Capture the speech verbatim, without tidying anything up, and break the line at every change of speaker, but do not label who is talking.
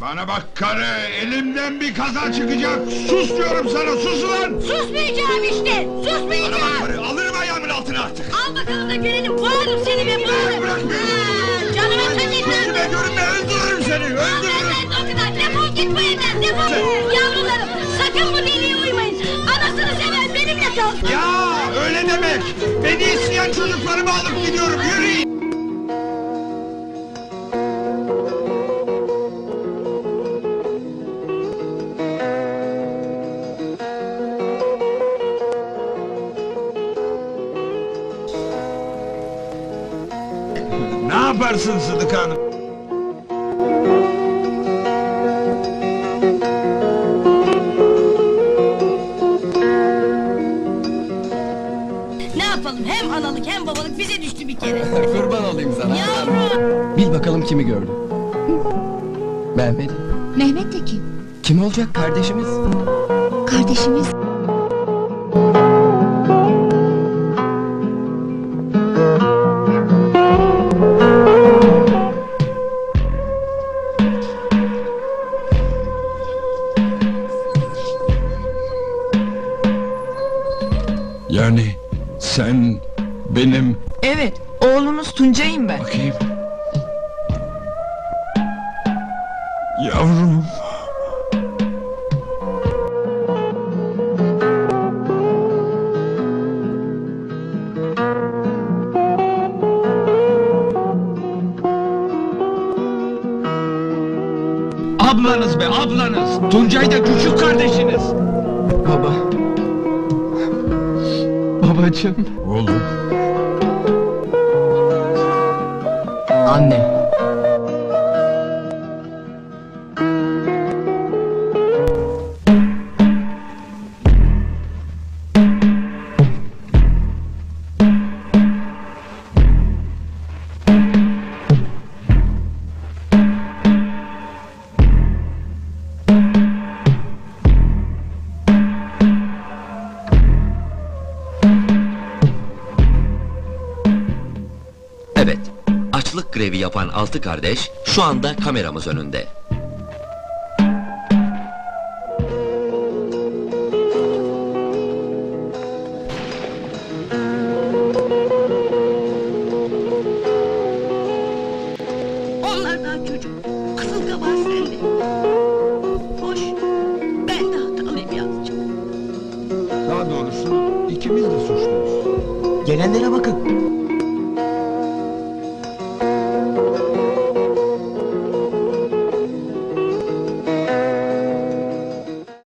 Bana bak karı, elimden bir kaza çıkacak! Sus diyorum sana, sus ulan!
Susmayacağım işte!
Bana bak
Susmayacağım!
karı, alırım ayağımın altına artık!
Al bakalım da görelim, boğarım seni be boğarım!
Bırak beni!
Ha, canıma tak etmem!
Gözüme görünme, öldürürüm seni, öldürürüm!
Ben de o kadar, defol git bu evden, defol! Yavrularım, sakın bu deliye uymayın! Anasını seven benimle kalsın!
Ya öyle demek! Beni isteyen çocuklarımı alıp gidiyorum, yürüyün! Ne yaparsın Sıdıka Hanım?
Ne yapalım, hem analık hem babalık bize düştü bir kere!
Kurban olayım sana.
Yavrum!
Bil bakalım kimi gördün. Mehmet.
Mehmet de kim?
Kim olacak, kardeşimiz?
Kardeşimiz.
Yani sen benim...
Evet, oğlunuz Tuncay'ım ben.
Bakayım. Yavrum. Ablanız be, ablanız! Tuncay da küçük kardeşiniz!
Baba. Babacığım.
Oğlum.
Anne.
Evet, açlık grevi yapan altı kardeş şu anda kameramız önünde.
Onlar daha çocuk, kısılga var sende! Hoş, ben de hatalıyım yazcığım!
Daha doğrusu ikimiz de suçluyuz.
Gelenlere bakın.